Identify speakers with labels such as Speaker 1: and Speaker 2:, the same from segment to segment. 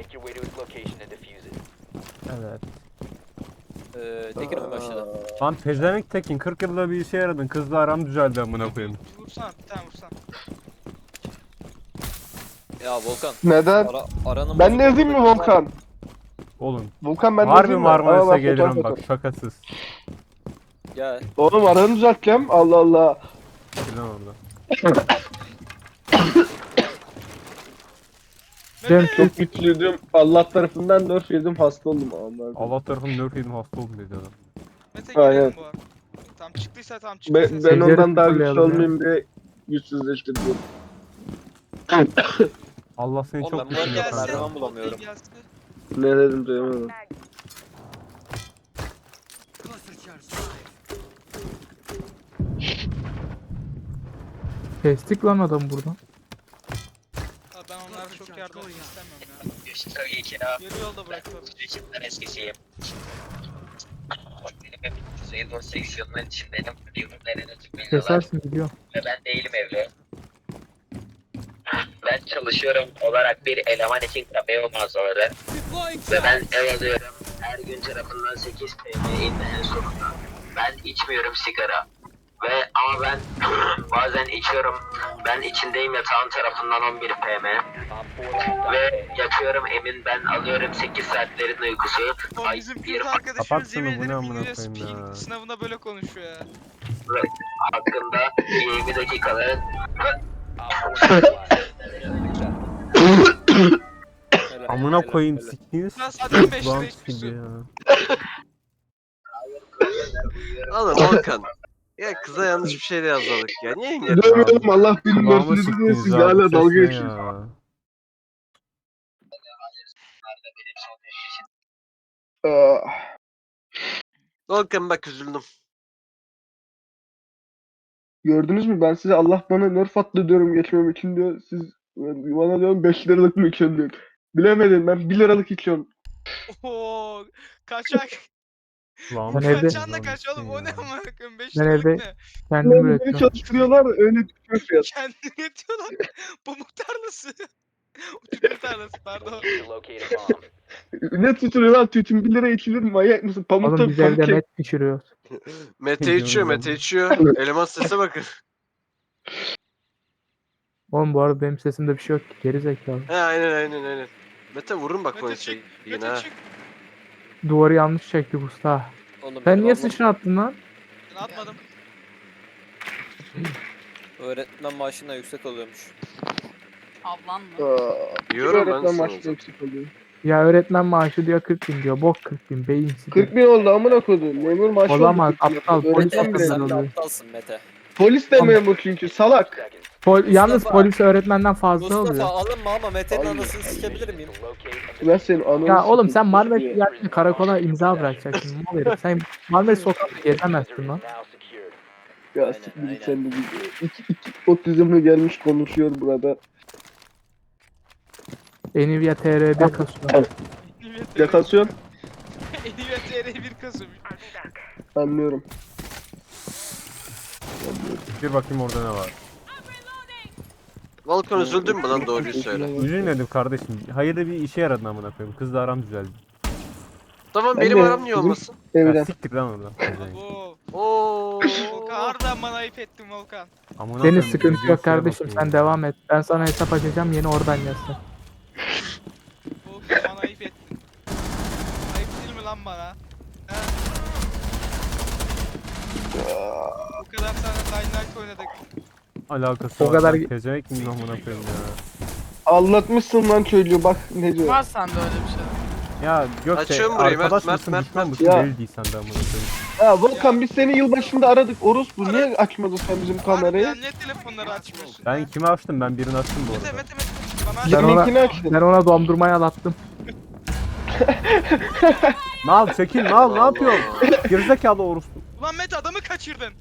Speaker 1: Make your way to its location and defuse it.
Speaker 2: Evet.
Speaker 3: Tekin oyun başladı.
Speaker 2: Lan pezevenk Tekin 40 yılda bir işe yaradın. Kızla aram düzeldi amına koyayım.
Speaker 4: Bir vursana, bir tane vursana.
Speaker 3: Ya Volkan.
Speaker 5: Neden?
Speaker 3: Aranın
Speaker 5: Ben
Speaker 3: bozuk
Speaker 5: ne yazayım mı
Speaker 3: olduğu-
Speaker 5: Volkan?
Speaker 2: Oğlum.
Speaker 5: Volkan ben ne
Speaker 2: Harbi
Speaker 5: yazayım mı? Aa,
Speaker 2: Marmaris'e
Speaker 5: bak,
Speaker 2: gelirim
Speaker 5: fotoğraf
Speaker 2: bak
Speaker 5: atarım.
Speaker 2: şakasız.
Speaker 3: Gel.
Speaker 5: Oğlum aranı düzelteceğim. Allah Allah.
Speaker 2: Bilen orada.
Speaker 5: Ben çok mutluyum. Allah tarafından nerf yedim, hasta oldum.
Speaker 2: Allah tarafım nerf yedim hasta oldum dedi adam.
Speaker 4: Mete
Speaker 5: Aynen.
Speaker 4: girelim bu arada. Tam çıktıysa tam çıktıysa.
Speaker 5: Ben
Speaker 2: Seyircileri
Speaker 5: ondan daha güçlü
Speaker 2: sıfırlayalım ya.
Speaker 5: olmayayım diye güçsüzleştirdim.
Speaker 2: Allah seni
Speaker 3: Oğlum
Speaker 2: çok
Speaker 3: ben bu
Speaker 2: düşünüyor
Speaker 3: arada
Speaker 2: kanka.
Speaker 3: merdiven bulamıyorum.
Speaker 4: Gelsin.
Speaker 5: Ne dedim duyamadım.
Speaker 6: Kestik lan adam buradan.
Speaker 4: Ha, ben onlara çok yardım etmek istemiyorum ya.
Speaker 7: Tabii ki ya.
Speaker 4: Yarı yolda bırakıyorum.
Speaker 7: Sürecimden eskisiyim. Benim hep 98 yılının içindeydim. Yıllarını çıkmıyorlar
Speaker 6: Kesersin gidiyor.
Speaker 7: ve ben değilim evli. Ben çalışıyorum olarak bir eleman için kapıya mağazaları. Ve ben ev alıyorum. Her gün tarafından 8 PM indi en sonunda. Ben içmiyorum sigara. Ama ben bazen içiyorum. Ben içindeyim yatağın tarafından 11 PM. Ve yatıyorum emin ben alıyorum 8 saatlerin uykusu.
Speaker 4: O
Speaker 7: Ay,
Speaker 4: bizim
Speaker 7: bir
Speaker 4: kız arkadaşımız
Speaker 2: Kapat şunu,
Speaker 4: yemin
Speaker 2: bu ne
Speaker 4: ederim
Speaker 2: amına
Speaker 4: İngilizce
Speaker 2: koyayım
Speaker 4: speaking
Speaker 2: ya.
Speaker 4: sınavında böyle konuşuyor ya.
Speaker 7: hakkında 20 dakikalı
Speaker 2: Amına koyayım siktiğiniz.
Speaker 4: Lan zaten 5
Speaker 2: Lan
Speaker 4: lira
Speaker 2: gibi
Speaker 4: içmişsin.
Speaker 2: ya.
Speaker 8: Oğlum Volkan. Ya kıza yanlış bir şey de yazmadık ya. Niye engel?
Speaker 5: Dövüyorum Allah bilir
Speaker 2: Kulağıma
Speaker 5: nerfini diye
Speaker 2: siktiniz
Speaker 5: siz
Speaker 2: abi,
Speaker 5: hala
Speaker 2: ses
Speaker 5: dalga
Speaker 2: ne
Speaker 5: geçiyorsunuz.
Speaker 2: ya?
Speaker 5: Ah.
Speaker 8: Volkan bak üzüldüm.
Speaker 5: Gördünüz mü, ben size Allah bana nerf attı diyorum geçmem için diyor. Siz bana diyorum 5 liralık mı içiyorsun diyor. Bilemedim, ben 1 liralık içiyorum.
Speaker 4: Oo, kaçak.
Speaker 2: Lan
Speaker 6: Ben evde-
Speaker 4: Kaçan da kaç oğlum o ne amına koyayım 5
Speaker 6: Ben
Speaker 4: liralık
Speaker 6: evde-
Speaker 4: ne?
Speaker 6: Kendim
Speaker 5: Beni
Speaker 6: üretiyorum.
Speaker 5: çalıştırıyorlar, öyle düşüyor fiyat.
Speaker 4: Kendini yetiyorlar. Pamuk tarlası. Tütün tarlası pardon.
Speaker 1: Need to locate a bomb.
Speaker 5: Ne tutuyor lan, tütün 1 lira içilir mi, manyak mısın? Pamukta
Speaker 6: Oğlum biz evde
Speaker 5: pankek.
Speaker 6: met pişiriyoruz.
Speaker 8: Mete içiyor, Mete içiyor. Eleman sese bakın.
Speaker 6: Oğlum bu arada benim sesimde bir şey yok ki. Geri zekalı.
Speaker 8: He aynen. Mete vurun bak o
Speaker 4: Mete
Speaker 8: şey
Speaker 4: çık.
Speaker 8: yine
Speaker 4: Mete
Speaker 8: ha.
Speaker 4: çık.
Speaker 6: Duvarı yanlış çektik usta.
Speaker 3: Oğlum,
Speaker 6: Sen
Speaker 3: benim
Speaker 6: niye
Speaker 3: ablam
Speaker 6: sıçra attın lan?
Speaker 4: Ben atmadım.
Speaker 3: Öğretmen maaşından yüksek oluyormuş.
Speaker 9: Ablan mı?
Speaker 8: Diyorum ben
Speaker 5: Öğretmen
Speaker 8: sana.
Speaker 5: maaşı yüksek oluyor.
Speaker 6: Ya öğretmen maaşı diyor 40 bin diyor. Bok 40 bin beyinsiz.
Speaker 5: 40 bin oldu amına koydum. Memur maaşı
Speaker 6: Olamaz,
Speaker 5: oldu 40 bin.
Speaker 6: aptal, polis
Speaker 5: Öğretmen
Speaker 6: yapıyor.
Speaker 5: bile
Speaker 3: Sen
Speaker 5: değil.
Speaker 3: de
Speaker 6: oluyor.
Speaker 3: aptalsın Mete.
Speaker 5: Polis de memur çünkü salak.
Speaker 6: Yalnız
Speaker 3: Mustafa.
Speaker 6: polis öğretmenden fazla
Speaker 3: Mustafa
Speaker 6: oluyor.
Speaker 3: alınma ama Mete'nin
Speaker 5: Allah.
Speaker 3: anasını sikebilir miyim?
Speaker 5: Ben senin ananı
Speaker 6: Ya oğlum sen
Speaker 5: sikeyim.
Speaker 6: Marmaris geldiğinde karakola imza bırakacaksın. Mal herif. Sen Marmaris sokakta gezemezsin lan.
Speaker 5: Ya
Speaker 3: Aynen,
Speaker 5: siktir
Speaker 3: aynen.
Speaker 5: git sen de git. İki otizmli gelmiş konuşuyor burada.
Speaker 6: Nvidia TR'de kasıyor.
Speaker 5: Yakasyon.
Speaker 4: Nvidia TR 1 Kasım.
Speaker 5: Anlıyorum.
Speaker 2: bir bakayım orada ne var.
Speaker 8: Volkan üzüldün mü lan doğruyu söyle.
Speaker 2: Üzülmedim kardeşim. Hayırlı bir işe yaradın amına koyayım. Kızla aram düzeldi.
Speaker 8: Tamam
Speaker 5: Ben
Speaker 8: benim
Speaker 5: de-
Speaker 8: aram niye
Speaker 5: bizim-
Speaker 8: olmasın?
Speaker 2: Ya
Speaker 5: Evden.
Speaker 2: siktir lan oradan. Pezevenk.
Speaker 4: Oo.
Speaker 8: Oo.
Speaker 4: Volkan harbiden bana ayıp ettin Volkan.
Speaker 2: Amına
Speaker 6: Senin
Speaker 2: koyayım,
Speaker 6: sıkıntı
Speaker 2: videoya
Speaker 6: yok kardeşim
Speaker 2: bakayım
Speaker 6: sen
Speaker 2: ya.
Speaker 6: devam et. Ben sana hesap açacağım yeni oradan yazsın.
Speaker 4: Volkan bana ayıp ettin. Ayıp değil mi lan bana? He? Bu kadar sana Dynamite oynadık.
Speaker 2: Alakası
Speaker 6: O
Speaker 2: var.
Speaker 6: kadar-
Speaker 2: lan. Pezevenk miyim amına koyayım ya.
Speaker 5: Anlatmışsın lan çocuğu, bak ne diyor.
Speaker 9: Var sende öyle bir şey.
Speaker 2: Ya Gökçe
Speaker 8: Açıyorum burayı,
Speaker 2: arkadaş
Speaker 8: Mert,
Speaker 2: mısın
Speaker 8: Mert,
Speaker 2: düşman
Speaker 8: Mert.
Speaker 2: mısın
Speaker 5: Ya.
Speaker 2: belli değil sende amına koyayım.
Speaker 5: Ha Volkan, biz seni yılbaşında aradık. Orospu niye açmadın sen bizim kamerayı?
Speaker 4: Harbiden ne telefonları açmıyorsun?
Speaker 2: Ben kimi açtım? Ben birini açtım bu
Speaker 4: Mete
Speaker 2: arada.
Speaker 4: Mete Mete. Bana aç.
Speaker 6: Ben ona-
Speaker 5: Linkini açtın.
Speaker 6: Ben ona dondurmayı alattım.
Speaker 2: Mal çekil mal ne yapıyorsun? Gerizekalı orospu.
Speaker 4: Ulan Mete adamı kaçırdın.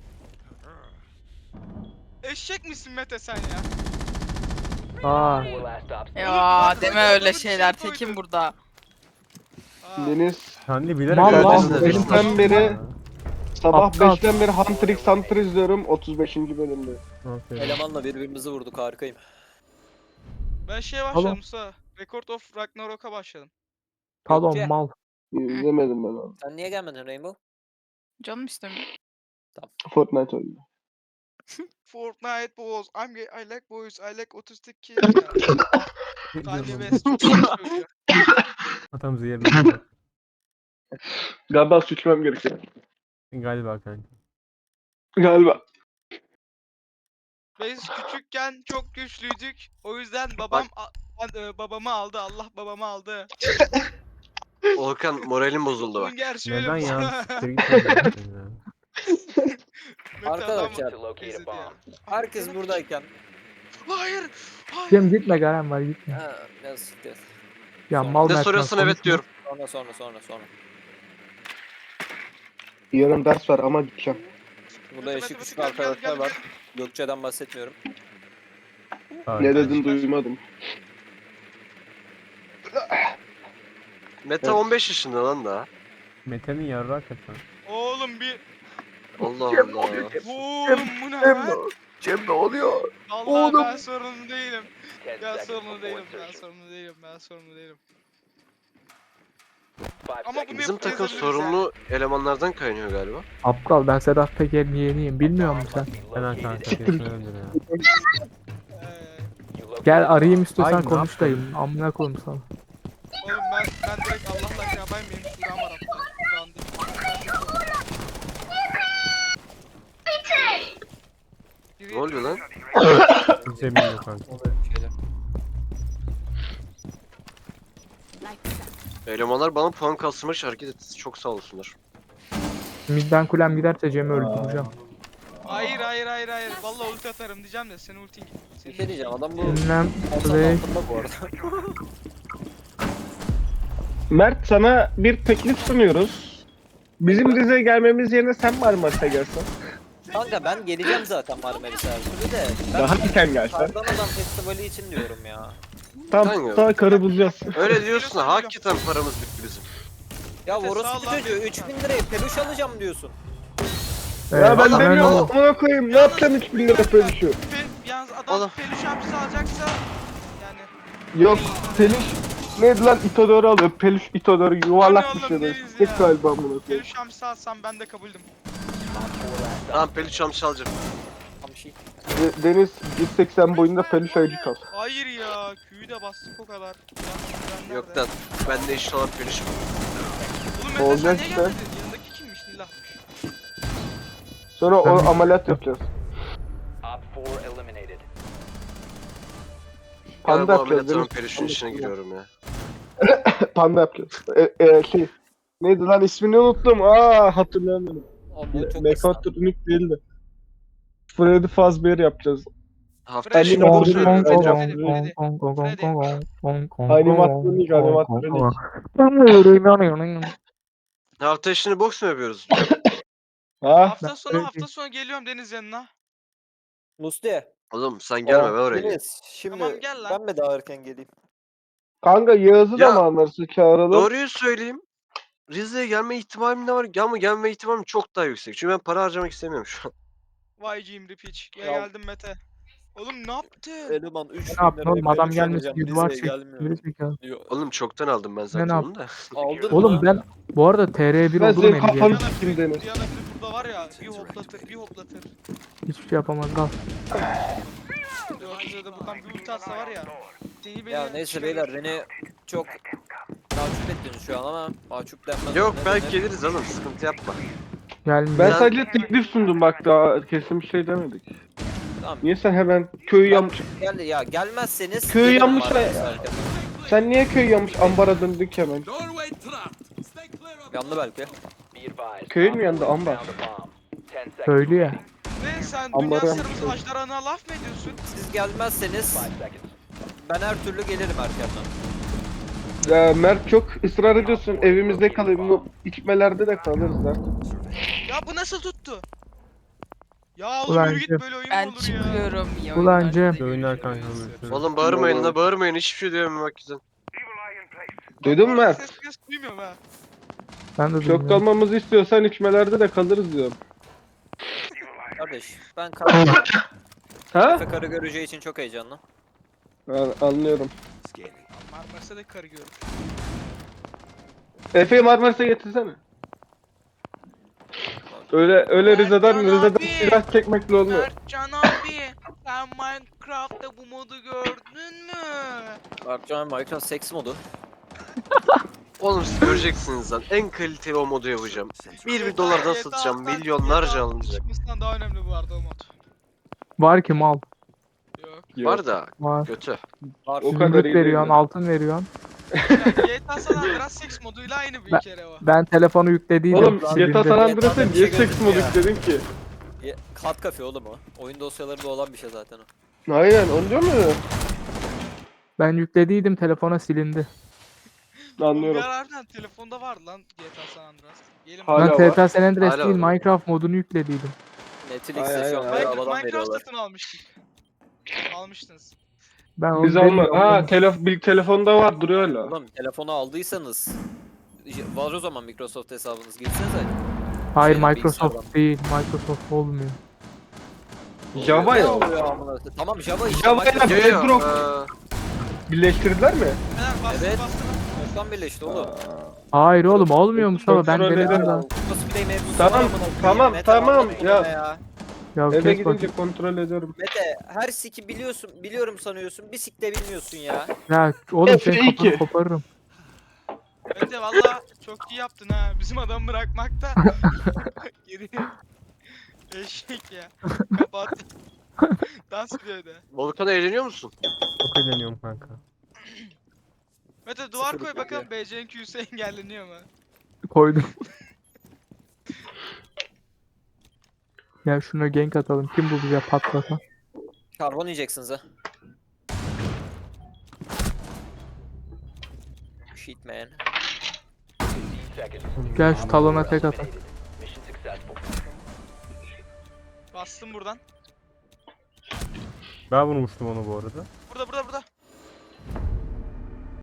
Speaker 4: Eşek misin Mete sen ya?
Speaker 6: Aa.
Speaker 9: Ya deme öyle şeyler Tekin burada.
Speaker 4: Aa,
Speaker 5: Deniz
Speaker 2: Sen de bilerek
Speaker 6: Mal
Speaker 8: lan,
Speaker 2: verdin.
Speaker 8: benim
Speaker 5: sen beri- sabah
Speaker 6: Aptal.
Speaker 5: 5'ten beri Hunter izliyorum 35. bölümde.
Speaker 2: Aferin.
Speaker 3: Elemanla birbirimizi vurduk harikayım.
Speaker 4: ben şeye
Speaker 6: Oğlum.
Speaker 4: başladım Musa. Record of Ragnarok'a başladım.
Speaker 6: Talon
Speaker 3: Gökçe.
Speaker 6: mal.
Speaker 5: İzlemedim ben abi.
Speaker 3: Sen niye gelmedin Rainbow?
Speaker 9: Canım istemiyor.
Speaker 5: Fortnite oynuyor.
Speaker 4: Fortnite boys. I like boys. I like otistik kids. Kanye West çok iyi söylüyor.
Speaker 2: Atamızı yerine koy.
Speaker 5: Galiba suçlamam gerekiyor.
Speaker 2: Galiba kanka.
Speaker 5: Galiba.
Speaker 4: Biz küçükken çok güçlüydük. O yüzden babamı aldı. Allah babamı aldı.
Speaker 8: Volkan moralin bozuldu bak.
Speaker 4: Bunun gerçeği öyle
Speaker 2: Neden
Speaker 4: mi?
Speaker 2: ya? Siktir git lan.
Speaker 4: Mete
Speaker 3: Arkadaşlar,
Speaker 4: adam
Speaker 1: To locate a
Speaker 4: izledi
Speaker 1: bomb.
Speaker 4: ya.
Speaker 3: Herkes buradayken.
Speaker 4: Hayır. Hayır.
Speaker 6: Cem gitme Garen var gitme.
Speaker 3: Ha, yazık ya.
Speaker 6: Ya
Speaker 3: Sonra-
Speaker 6: mal
Speaker 8: Ne
Speaker 6: Mert
Speaker 8: soruyorsun
Speaker 6: var,
Speaker 8: evet
Speaker 6: konuşma.
Speaker 8: diyorum.
Speaker 3: Sonra.
Speaker 5: Yarın ders var ama gideceğim.
Speaker 3: Burada
Speaker 4: Mete,
Speaker 3: eşi
Speaker 4: Mete,
Speaker 3: küçük
Speaker 4: gel, gel,
Speaker 3: arkadaşlar
Speaker 4: gel,
Speaker 3: var. Gökçe'den bahsetmiyorum.
Speaker 5: Ne dedin duymadım.
Speaker 8: Meta
Speaker 5: Evet.
Speaker 8: 15 yaşında lan daha.
Speaker 2: Mete'nin yarrağı hakikaten.
Speaker 4: Oğlum bir.
Speaker 8: Allah Allah.
Speaker 4: Oğlum bu ne lan?
Speaker 5: Cem ne oluyor?
Speaker 4: Vallahi ben sorumlu değilim.
Speaker 1: 10
Speaker 4: Ben
Speaker 1: seconds
Speaker 4: sorumlu
Speaker 1: before
Speaker 4: değilim.
Speaker 1: insertion.
Speaker 4: Ben sorumlu değilim.
Speaker 1: 5
Speaker 4: Ama
Speaker 1: seconds.
Speaker 4: bunu
Speaker 8: Bizim
Speaker 4: hep
Speaker 8: takım
Speaker 4: yazabiliriz
Speaker 8: sorumlu elemanlardan kaynıyor galiba.
Speaker 6: Aptal ben Sedat Peker'in yeğeniyim. Bilmiyor musun sen?
Speaker 2: Hemen kanka. Kesin öldür ya.
Speaker 4: Ee,
Speaker 1: You located
Speaker 6: Gel
Speaker 1: a bomb.
Speaker 6: arayayım istiyorsan
Speaker 2: Ay, ne
Speaker 6: konuş dayım. Amına koyayım sana.
Speaker 4: Oğlum ben direkt Allah'la şey yapayım benim Kur'an var hatta. Kur'an değil.
Speaker 8: Ne oluyor lan?
Speaker 2: Hiç emin yok kanka.
Speaker 3: Şeyler.
Speaker 8: Elemanlar bana puan kastırmak için hareket etti. Çok sağ olsunlar.
Speaker 6: Midden kulem giderse Cem'i öldüreceğim.
Speaker 4: Hayır. Vallahi ulti atarım diyeceğim de senin ultin gitti.
Speaker 3: Bir
Speaker 4: Senin
Speaker 3: şey diyeceğim adam bu
Speaker 6: Ünlem
Speaker 3: masanın
Speaker 6: play.
Speaker 3: altında bu arada.
Speaker 5: Mert sana bir teklif sunuyoruz. Bizim Rize'ye gelmemiz yerine sen Marmaris'e gelsen.
Speaker 3: Kanka ben geleceğim zaten Marmaris'e her türlü de. Ben
Speaker 5: Daha erken gelsen.
Speaker 3: Kardan Adam Festivali için diyorum ya.
Speaker 5: Tam
Speaker 8: Kanka.
Speaker 5: daha karı bulacağız.
Speaker 8: Öyle diyorsun da hakikaten paramız bitti bizim.
Speaker 3: Ya
Speaker 4: Mete,
Speaker 3: orospu
Speaker 4: sağ ol lan.
Speaker 3: çocuğu 3000 liraya peluş alacağım diyorsun.
Speaker 5: Ya ben
Speaker 8: Adam-
Speaker 5: demiyorum ona koyayım. Ne yapacağım 3000 lira paylaşıyor.
Speaker 4: Yalnız adam
Speaker 8: Oğlum.
Speaker 4: peluş hapsi alacaksa yani
Speaker 5: Yok peluş. Neydi lan Itadori alıyor. Peluş Itadori yuvarlak bir
Speaker 4: oğlum,
Speaker 5: şey.
Speaker 4: deriz
Speaker 5: Tek
Speaker 4: ya.
Speaker 5: galiba bunu koyayım.
Speaker 4: peluş hapsi alsam ben de kabuldüm.
Speaker 8: Tamam peluş çalmış alacağım.
Speaker 3: Tam şey.
Speaker 5: Deniz 180 boyunda peluş ayıcı kal.
Speaker 4: Hayır ya küyü de bastık o kadar. Yalnız
Speaker 8: Yok lan. Bende eşit olan peluş var.
Speaker 4: Oğlum Mete sen
Speaker 5: Olacak
Speaker 4: niye
Speaker 5: işte.
Speaker 4: gelmedin? Yanındaki kimmiş Nilah'mış.
Speaker 5: Sonra o ameliyat yapacağız.
Speaker 1: Op 4 eliminated.
Speaker 5: Panda
Speaker 8: Galiba
Speaker 5: yapacağız
Speaker 8: ameliyatların
Speaker 5: Deniz.
Speaker 8: peluşun içine giriyorum ya.
Speaker 5: Panda yapacağız. Şey. Neydi lan ismini unuttum. Hatırlayamadım.
Speaker 3: Ama o çok
Speaker 5: Mekatronik değildi. Freddy Fazbear yapacağız.
Speaker 8: Hafta
Speaker 4: Freddy,
Speaker 8: içi
Speaker 5: Animatör
Speaker 4: Freddy,
Speaker 5: söylüyor.
Speaker 4: Freddy,
Speaker 5: Animatronik.
Speaker 8: hafta içini boks mu yapıyoruz?
Speaker 5: Ha?
Speaker 4: Hafta sonu geliyorum Deniz yanına.
Speaker 3: Musti.
Speaker 8: Oğlum sen gelme ben oraya geleyim.
Speaker 3: Deniz şimdi
Speaker 4: Tamam, gel lan.
Speaker 3: ben mi daha erken geleyim?
Speaker 5: Kanka Yağız'ı da
Speaker 8: Ya,
Speaker 5: mı anlarsın çağıralım?
Speaker 8: Doğruyu söyleyeyim. Rize'ye gelme ihtimalim de var ama gelme ihtimalim çok daha yüksek. Çünkü ben para harcamak istemiyorum şu an.
Speaker 4: Vay cimri piç. Ya
Speaker 3: Ya.
Speaker 4: geldim Mete. Oğlum ne yaptın?
Speaker 3: Eleman 3000
Speaker 6: Ne yaptın oğlum adam
Speaker 3: peluş
Speaker 6: gelmiş
Speaker 3: alacağım,
Speaker 6: gibi var
Speaker 3: Rize'ye
Speaker 6: çek.
Speaker 3: gelmiyor
Speaker 6: Geri zekalı.
Speaker 3: diyor.
Speaker 8: Oğlum çoktan aldım ben zaten
Speaker 6: yap-
Speaker 8: onu da.
Speaker 3: Aldın
Speaker 6: Oğlum
Speaker 3: mı?
Speaker 6: ben bu arada TR1
Speaker 5: Ben
Speaker 6: oldum
Speaker 5: senin
Speaker 6: en
Speaker 5: kafanı
Speaker 6: diye.
Speaker 5: sikeyim Deniz.
Speaker 4: Diana biri burada var ya bir hoplatır.
Speaker 6: Hiçbir şey yapamaz kal.
Speaker 4: Yok bize de buradan bir ulti atsa var ya. Seni beni
Speaker 3: Ya neyse beyler beni çok mahcup ettiniz şu an ama mahcup denmez.
Speaker 8: Yok
Speaker 3: Ne
Speaker 8: belki
Speaker 3: denir?
Speaker 8: geliriz oğlum sıkıntı yapma.
Speaker 6: Gelmiyor.
Speaker 5: Ben
Speaker 8: Ya-
Speaker 5: sadece teklif sundum bak daha kesin bir şey demedik.
Speaker 3: Tamam.
Speaker 5: Niye sen hemen köyü yanmış?
Speaker 3: Gel ya gelmezseniz
Speaker 5: Köyü
Speaker 3: gelirim
Speaker 5: yanmış
Speaker 3: Marmaris'e
Speaker 5: ya.
Speaker 3: erken.
Speaker 5: Sen niye köy yanmış ambara döndük hemen?
Speaker 3: Yandı belki.
Speaker 1: Be advised.
Speaker 5: Köyün mü
Speaker 1: Op
Speaker 5: yandı,
Speaker 1: 4
Speaker 5: ambar?
Speaker 1: found a bomb. 10 seconds
Speaker 6: Köylü ya.
Speaker 1: remaining.
Speaker 4: Ne sen
Speaker 5: Ambarı
Speaker 4: dünya
Speaker 5: yapmış.
Speaker 4: sırrımızın ajdarana laf mı ediyorsun?
Speaker 3: Siz gelmezseniz
Speaker 1: 5 seconds.
Speaker 3: ben her türlü gelirim erkenden.
Speaker 5: Ya Mert çok ısrar ediyorsun evimizde kalayım. Bu içmelerde de kalırız lan.
Speaker 4: Ya bu nasıl tuttu? Ya oğlum
Speaker 6: Ulan
Speaker 4: yürü git
Speaker 6: Cem.
Speaker 4: böyle oyun
Speaker 9: Ben
Speaker 4: mu olur ya?
Speaker 9: çıkıyorum ya.
Speaker 6: Ulan Cem.
Speaker 2: Oyunlar kanka. görüşürüz.
Speaker 8: Oğlum bağırmayın la bağırmayın hiçbir şey diyemem bak güzel.
Speaker 5: Duydun mu Mert?
Speaker 4: Ses duymuyorum ha.
Speaker 6: Ben de
Speaker 5: Çok
Speaker 6: duymuyorum.
Speaker 5: kalmamızı istiyorsan içmelerde de kalırız diyorum.
Speaker 3: Kardeş ben karı,
Speaker 5: Ha?
Speaker 3: Efe karı göreceği için çok heyecanlı.
Speaker 5: Anlıyorum.
Speaker 4: Marmaris'e de karı görür.
Speaker 5: Efe'yi Marmaris'e getirsene. Öyle Rize'den
Speaker 4: abi.
Speaker 5: silah çekmekle olmuyor.
Speaker 4: Mertcan abi, sen Minecraft'ta bu modu gördün mü?
Speaker 3: Berkcan Minecraft seks modu.
Speaker 8: Oğlum siz göreceksiniz lan. En kaliteli o modu yapacağım. Bir dolardan satacağım. Milyonlarca alınacak.
Speaker 4: Çıkmasından daha önemli bu arada o mod.
Speaker 6: Var ki mal.
Speaker 4: Yok.
Speaker 8: Var da
Speaker 6: Var.
Speaker 8: kötü.
Speaker 3: Var.
Speaker 5: O kadar
Speaker 6: Zümrüt
Speaker 5: iyi
Speaker 6: veriyorsun,
Speaker 5: değil.
Speaker 6: altın veriyorsun.
Speaker 4: GTA San Andreas seks moduyla aynı bir kere o.
Speaker 6: Ben telefonu yüklediydim.
Speaker 5: Oğlum
Speaker 6: şu an
Speaker 5: GTA San
Speaker 6: silindi.
Speaker 5: Andreas'a
Speaker 3: bir
Speaker 5: niye
Speaker 3: şey
Speaker 5: seks modu
Speaker 3: gözüküyor.
Speaker 5: yükledin ki?
Speaker 3: Kat kafe oğlum o. Oyun dosyalarında olan bir şey zaten o.
Speaker 5: Aynen onu diyor mu?
Speaker 6: Ben yüklediydim, telefona silindi.
Speaker 5: Anlıyorum.
Speaker 4: Bulgar harbiden telefonda vardı lan GTA San Andreas. Gelin
Speaker 5: Hala
Speaker 6: Ben
Speaker 5: var.
Speaker 6: GTA San Andreas
Speaker 8: Hala
Speaker 6: değil,
Speaker 8: var.
Speaker 6: Minecraft modunu yüklediydim.
Speaker 3: Netflix'te şu an
Speaker 5: Aynen,
Speaker 3: bedavadan
Speaker 4: Minecraft
Speaker 3: veriyorlar.
Speaker 4: satın almıştık. Almıştınız.
Speaker 6: Ben onu
Speaker 5: Biz alma.
Speaker 6: demiyorum.
Speaker 5: Ha telefonda var duruyor hala.
Speaker 3: Oğlum telefonu aldıysanız var o zaman Microsoft hesabınız girsenize.
Speaker 6: Hayır,
Speaker 3: Şeyden,
Speaker 6: Microsoft
Speaker 3: bilgisayardan.
Speaker 6: değil. Microsoft olmuyor.
Speaker 5: Java
Speaker 3: Ne
Speaker 5: ya.
Speaker 3: oluyor amına koyayım? Tamam Java işte.
Speaker 5: Java ile
Speaker 3: Microsoft
Speaker 8: Yo, yo,
Speaker 5: Bedrock birleştirdiler mi?
Speaker 4: Beyler bastı
Speaker 3: Evet.
Speaker 4: bastı.
Speaker 3: çoktan birleşti oğlum.
Speaker 6: Hayır oğlum, olmuyor Mustafa. Ben
Speaker 5: Kontrol
Speaker 6: denedim
Speaker 5: ederim.
Speaker 6: daha.
Speaker 3: Cosplay mevzusu
Speaker 5: Tamam,
Speaker 3: var amına koyayım.
Speaker 5: tamam,
Speaker 3: Mete,
Speaker 5: tamam,
Speaker 3: anlatma
Speaker 5: ya.
Speaker 3: bana ya.
Speaker 6: Ya
Speaker 5: Eve
Speaker 6: kes
Speaker 5: gidince
Speaker 6: bakayım.
Speaker 5: kontrol ediyorum.
Speaker 3: Mete her siki biliyorum sanıyorsun. Bir sik de bilmiyorsun ya.
Speaker 6: Ya oğlum
Speaker 5: F2.
Speaker 6: senin kafanı koparırım.
Speaker 4: Mete valla çok iyi yaptın ha. Bizim adamı bırakmakta. Geri. Eşek ya. Kapat. Dans ediyor de.
Speaker 8: Volkan eğleniyor musun?
Speaker 2: Çok eğleniyorum kanka.
Speaker 4: Mete duvar
Speaker 3: Sıfır
Speaker 4: koy
Speaker 3: yapıyor.
Speaker 4: bakalım BC'nin Q'su engelleniyor mu?
Speaker 6: Koydum. Ya şuna gank atalım. Kim bu bize patlatan?
Speaker 3: Karbon yiyeceksiniz ha. Shit man.
Speaker 1: 15 seconds.
Speaker 6: Gel şu talona tek atalım.
Speaker 1: Eliminated. Mission successful.
Speaker 4: Bastım buradan.
Speaker 2: Ben vurmuştum onu bu arada.